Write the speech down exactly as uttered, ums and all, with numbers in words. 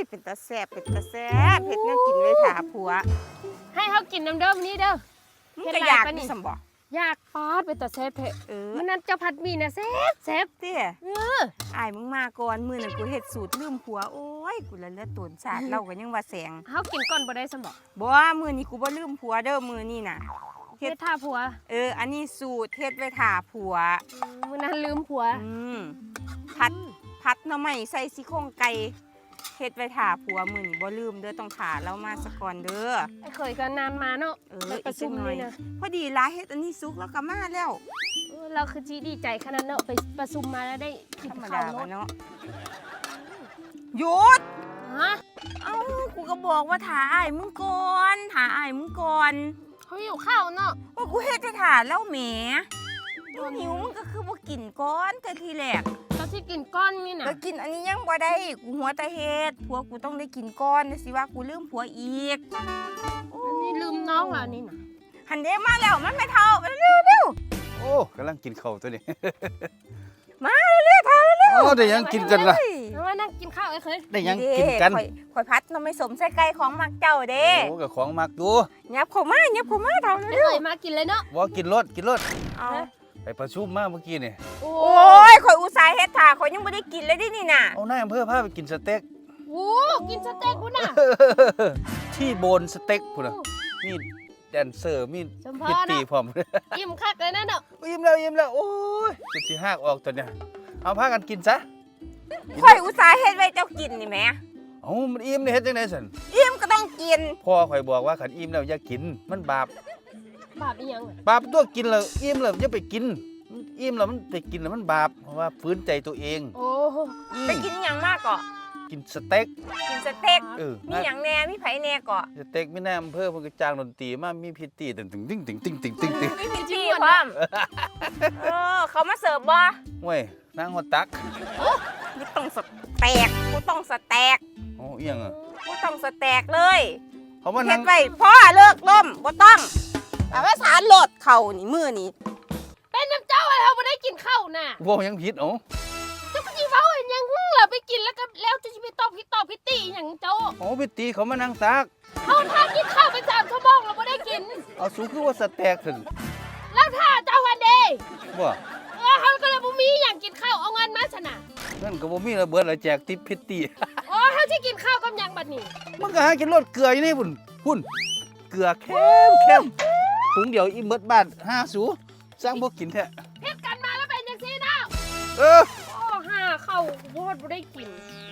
เป็นตาแซ่บเป็นตาแซ่บเฮ็ดแนวกินไว้ถาผัวให้เขากินน้ำเดิมนี้เด้อมึงก็อยากดิสมบ่อยากปาดเป็นตาแซ่บเถอะเออมื้อนั้นเจ้าผัดหมี่น่ะแซ่บแซ่บเตี้ยเอออ้ายมึงมาก่อนมื้อนั้นกูเฮ็ดสูตรลืมผัวโอ้ยกูละเลือดตูนชาติเราก็ยังว่าแสงเฮากินก่อนบ่ได้ซั่นบ่บ่มื้อนี้กูบ่ลืมผัวเด้อมื้อนี้น่ะเฮ็ดท่าผัวเอออันนี้สูตรเฮ็ดไว้ถาผัวมื้อนั้นลืมผัวอืมผัดผัดหน่อไม้ใส่ซี่โครงไก่เฮ็ดไว้ถาผัวมื้อนี้บ่ลืมเด้อต้องถาเรามาซะก่อนเด้อไอ้เคยก็นานมาเนาะเออประชุมนี่นะพอดีลาเฮ็ดอันนี้สุกแล้วก็มาแล้วเออเราคือจีดีใจขนาดเนาะไปประชุมมาแล้วได้กินข้าวเนาะหยุดฮะเอ้ากูก็บอกว่าถาอ้ายมึงก่อนถาอ้ายมึงก่อนเขาหิวข้าวเนาะว่ากูเฮ็ดให้ถาแล้วแหมหิวมึงก็คือบ่กินก่อนแต่ทีแรกตอนที่กินก้อนนี่น่ะก็กินอันนี้ยังบ่ได้กูหัวตาเฮ็ดผัวกูต้องได้กินก่อนสิว่ากูลืมผัวอีกอันนี้ลืมน้องแล้วนี่น่ะหันเด้มาแล้วมันไม่เท่าเร็วเร็วโอ้กำลังกินข้าวตัวนี้มาเร็วเท่าเร็วโอ้ได้ยังกินกันล่ะมานั่งกินข้าวไอ้เคยได้ยังกินกันข่อยพัดน้ำไม่สมใส่ไก่ของมักเจ้าเด้โอ้กับของมักดูยับเข้ามายับเข้ามาเท่าเร็วเอ้ยมากินเลยเนาะว่ากินรถกินรถเอาไปประชุมมาเมื่อกี้นี่โอ้ยข่อยอุตส่าห์เฮ็ดถ่าข่อยยังไม่ได้กินเลยดินี่น่ะเอานายอำเภอพาไปกินสเต็กโอ้กินสเต็กพุ่นน่ะที่โบนสเต็กพุ่นน่ะมีแดนเซอร์มีพิตตี้พร้อมอิ่มคักเลยนั่นเนาะอิ่มแล้วอิ่มแล้วโอ้ยจะสิหักออกตัวเนี้ยเอาพากันกินซะข่อยอุตส่าห์เฮ็ดไว้เจ้ากินนี่แหมเอ้ามันอิ่มนี่เฮ็ดจังได๋ซั่นอิ่มก็ต้องกินพ่อข่อยบอกว่าคันอิ่มแล้วอย่ากินมันบาปบาปอีหยังบาปตัวกินแล้วอิ่มแล้วอย่าไปกินอิ่มแล้วมันไปกินแล้วมันบาปเพราะว่าฝืนใจตัวเองโอ้ไปกินหยังมากก็กินสเต็กกินสเต็กเออมีหยังแน่มีไผแน่ก็สเต็กมีแน่อำเภอเพิ่นก็จ้างดนตรีมามีพิตตี้ตึงตึงตึงตึงตึงตึงตึงตึงมีพิตตี้พร้อมเออเขามาเสิร์ฟบ่เว้ยนางฮอดตักกูต้องสเต็กกูต้องสเต็กโอ้อีหยังอ่ะกูต้องสเต็กเลยเขามานั่งเฮ็ดไว้พ่อเลิกล่มบ่ต้องแต่ว่าสารโหลดเข่านี่มือนี่เป็นน้ำเจ้าอะไรเราไม่ได้กินข้าวน่ะว่ายังผิดอ๋อจะไปจีเฝ้าเห็นยังเราไปกินแล้วก็แล้วจะไปตอบพี่ตอบพี่ตีอย่างเจ้าโอ้พิตีเขามานั่งซักเขาท่ากินข้าวไปสามชั่วโมงเราไม่ได้กินเอาสูคือว่าสเต็กถึงแล้วท่าเจ้าวันเดย์ว่าเออเขาก็เลยบ่มีอย่างกินข้าวเอาเงินมาชนะนั่นก็บ่มีระเบิดละแจกติปพิตีอ๋อเขาที่กินข้าวกับยังบัดนี้มันก็หากินรสเกลืออยู่นี่พุ่นพุ่นเกลือเค็มเค็มถุงเดียวอิ่มเบิดบ้านห้าสูสร้างบ่กินแท้เฮ็ดกันมาแล้วเป็นจังซี่เนาะเออโอ้ห้าเข้าโพดบ่ได้กิน